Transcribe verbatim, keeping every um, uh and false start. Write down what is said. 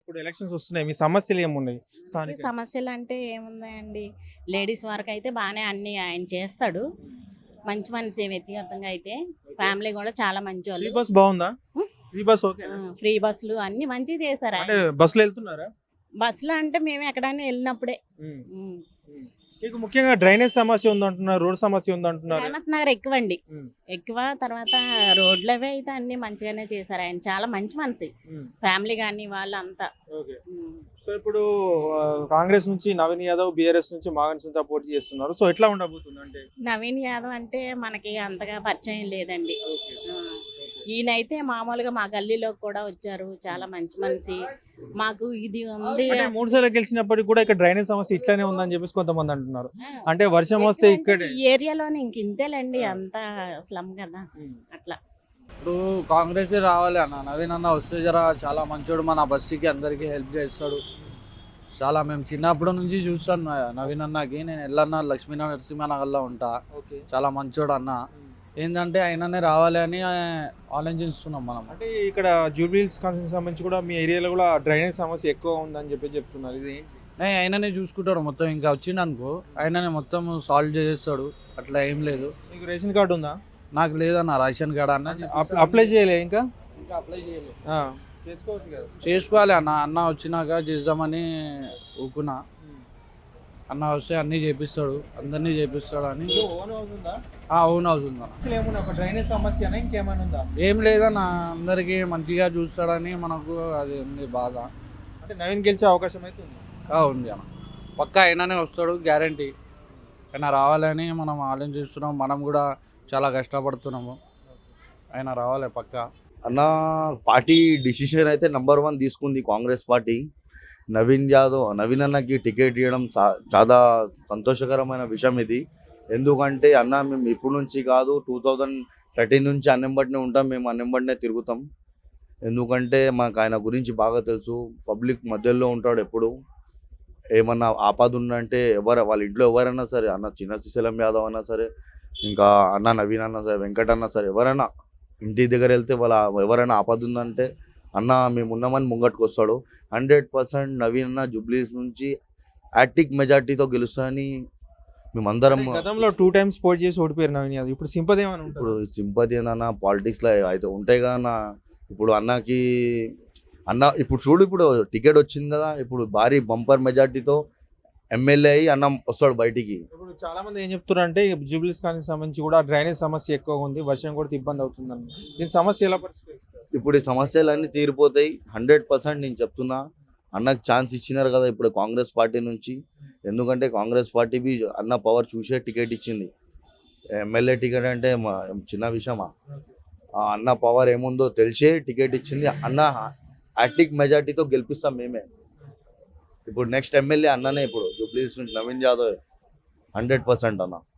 ఇప్పుడు ఎలక్షన్స్ వస్తున్నాయి, మీ సమస్యలు ఏమున్నాయి ఈ స్థానిక? సమస్యలు అంటే ఏముందండి, లేడీస్ వరకు అయితే బాగానే అన్ని ఆయన చేస్తాడు. మంచి మనిషి వ్యక్తిగతంగా అయితే, ఫ్యామిలీ కూడా చాలా మంచి ఫ్రీ వాళ్ళు. బస్ బాగుందా? ఫ్రీ బస్ ఓకే ఫ్రీ బస్సులు అన్ని మంచిగా చేశారు అంటే ఆయన. బస్సులో వెళ్తున్నారా? బస్సులో అంటే మేము ఎక్కడైనా వెళ్ళినప్పుడే. ఉమ్. ఉమ్. ఉమ్. మీకు ముఖ్యంగా డ్రైనేజ్ సమస్య ఉందంటున్నారు, రోడ్ సమస్య ఉందంటున్నారు. రేవంత్ నగర్ ఎక్కువ అండి, ఉమ్. ఎక్కువ. తర్వాత రోడ్లు అవి అయితే అన్ని మంచిగానే చేశారు ఆయన. చాలా మంచి మనిషి, ఉమ్. ఫ్యామిలీ కానీ వాళ్ళంతా. ఓకే. ఉమ్. సో ఇప్పుడు ఆ, కాంగ్రెస్ నుంచి నవీన్ యాదవ్, బీఆర్ఎస్ నుంచి మాగన్ సింగ్ పోటీ చేస్తున్నారు. సో ఎట్లా ఉండబోతుంది అంటే? నవీన్ యాదవ్ అంటే మనకి అంతగా పరిచయం లేదండి. ఓకే. ఆ, ఈయనైతే మామూలుగా మా గల్లీలోకి కూడా వచ్చారు, చాలా మంచి మనిషి. మాకు ఇది ఉంది. అంటే మూడు సార్లు గెలిచినప్పటికి కూడా ఇక్కడ డ్రైనేజ్ సమస్య ఇట్లానే ఉందని చెప్పేసి కొంతమంది అంటున్నారు. ఆ, అంటే వర్షం వస్తే ఎక్కువంటే ఇక్కడే. ఈ ఏరియాలోనే ఇంక ఇంతేలేండి, అంతా స్లమ్ కదా అట్లా. ఇప్పుడు కాంగ్రెస్ రావాలి అన్న, నవీన్ అన్న వస్తే జర చాలా మంచోడు, మన బస్సుకి అందరికీ హెల్ప్ చేస్తాడు. చాలా మేము చిన్నప్పటి నుంచి చూస్తాను నవీన్ అన్నకి. నేను ఎల్లన్న లక్ష్మీ నరసింహనగర్లో ఉంటా. ఓకే. చాలా మంచోడు అన్న. ఏంటంటే ఆయననే రావాలి అని ఆలోచిస్తున్నాం మనం. అంటే ఇక్కడ జూబ్లీహిల్స్ కాన్స్టిట్యూన్సీ సంబంధించి కూడా మీ ఏరియాలో కూడా డ్రైనేజ్ సమస్య ఎక్కువ ఉందని చెప్పి చెప్తున్నారు. ఇది నే ఆయననే చూసుకుంటాడు మొత్తం. ఇంకా వచ్చిండు అనుకో ఆయననే మొత్తం సాల్వ్ చేస్తాడు, అట్లా ఏం లేదు. మీకు రేషన్ కార్డు ఉందా? నాకు లేదన్న రేషన్ కార్డు అన్న. అప్- అప్లై చేయలే ఇంకా? ఇంకా అప్లై చేయలేదు. ఆ, చేసుకోవచ్చు కదా. చేసుకోవాలి అన్న. అన్న వచ్చినాక చేద్దామని ఊకున్నా. అన్న వస్తే అన్నీ చేపిస్తాడు, అందరినీ చేపిస్తాడు అని. మీకు ఓన్ హౌస్ ఉందా? అవును అవుతుంది అన్న. అసలు ఏమున్నా ఒక డ్రైనేజ్ సమస్యనా ఇంకేమైనా ఉందా? ఏం లేదన్న, అందరికీ మంచిగా చూస్తాడని మనకు అది ఉంది బాధ. అంటే నవీన్ గెలిచే అవకాశం అయితే ఉంది. ఆ, ఉంది అన్న. పక్కా అయినానే వస్తాడు గ్యారంటీ. ఆయన రావాలని మనం ఆలోచిస్తున్నాం. మనం కూడా చాలా కష్టపడుతున్నాము. ఆయన రావాలి పక్కా. అన్న పార్టీ డిసిషన్ అయితే నంబర్ వన్ తీసుకుంది కాంగ్రెస్ పార్టీ. నవీన్ యాదవ్ నవీన్ అన్నకి టికెట్ ఇవ్వడం చా- చాలా సంతోషకరమైన విషయం ఇది. ఎందుకంటే అన్న మేము ఇప్పుడు నుంచి కాదు, టూ థౌజండ్ థర్టీన్ నుంచి అన్నెంబడినే ఉంటాం, మేము అన్నెంబడినే తిరుగుతాం. ఎందుకంటే మాకు ఆయన గురించి బాగా తెలుసు. పబ్లిక్ మధ్యలో ఉంటాడు ఎప్పుడు. ఏమన్నా ఆపద ఉందంటే ఎవరు వాళ్ళ ఇంట్లో ఎవరైనా సరే, అన్న చిన్న శ్రీశైలం యాదవ్ అన్నా సరే, ఇంకా అన్న నవీన్ అన్నా సరే, వెంకట అన్నా సరే, ఎవరైనా ఇంటి దగ్గర వెళ్తే వాళ్ళ ఎవరైనా ఆపద ఉందంటే అన్న మేము ఉన్నామని ముంగట్టుకు వస్తాడు. హండ్రెడ్ పర్సెంట్ నవీన్ అన్న జూబ్లీస్ నుంచి యాటిక్ మెజార్టీతో గెలుస్తాయని మేమందరం. అంటే గతంలో టూ టైమ్స్ పోటీ చేసి ఓడిపోయారు నవీన్ యాదవ్. ఇప్పుడు సింపతి ఏమైనా ఇప్పుడు ఉంటుంది? సింపతి ఏందన్న, పాలిటిక్స్లో అయితే ఉంటాయి కదా అన్న. ఇప్పుడు అన్నకి అన్న ఇప్పుడు చూడు, ఇప్పుడు టికెట్ వచ్చింది కదా, ఇప్పుడు భారీ బంపర్ మెజార్టీతో ఎమ్మెల్యే అయ్యి అన్న వస్తాడు బయటికి. ఇప్పుడు చాలా మంది ఏం చెప్తున్నారు అంటే జూబ్లీస్ కాలనీ సంబంధించి కూడా డ్రైనేజ్ సమస్య ఎక్కువ ఉంది, వర్షం కూడా ఇబ్బంది అవుతుందని. దీని సమస్య ఎలా పరిష్కరిస్తారు? ఇప్పుడు ఈ సమస్యలన్నీ తీరిపోతాయి హండ్రెడ్ పర్సెంట్. నేను చెప్తున్నా, అన్నకు ఛాన్స్ ఇచ్చినారు కదా ఇప్పుడు కాంగ్రెస్ పార్టీ నుంచి. ఎందుకంటే కాంగ్రెస్ పార్టీ బి అన్న పవర్ చూసే టికెట్ ఇచ్చింది. ఎమ్మెల్యే టికెట్ అంటే మా చిన్న విషయమా? ఆ అన్న పవర్ ఏముందో తెలిసే టికెట్ ఇచ్చింది. అన్న యాటిక్ మెజార్టీతో గెలిపిస్తాం మేమే. ఇప్పుడు నెక్స్ట్ ఎమ్మెల్యే అన్ననే ఇప్పుడు జూబ్లీహిల్స్ నుంచి నవీన్ యాదవ్ హండ్రెడ్ పర్సెంట్ అన్న.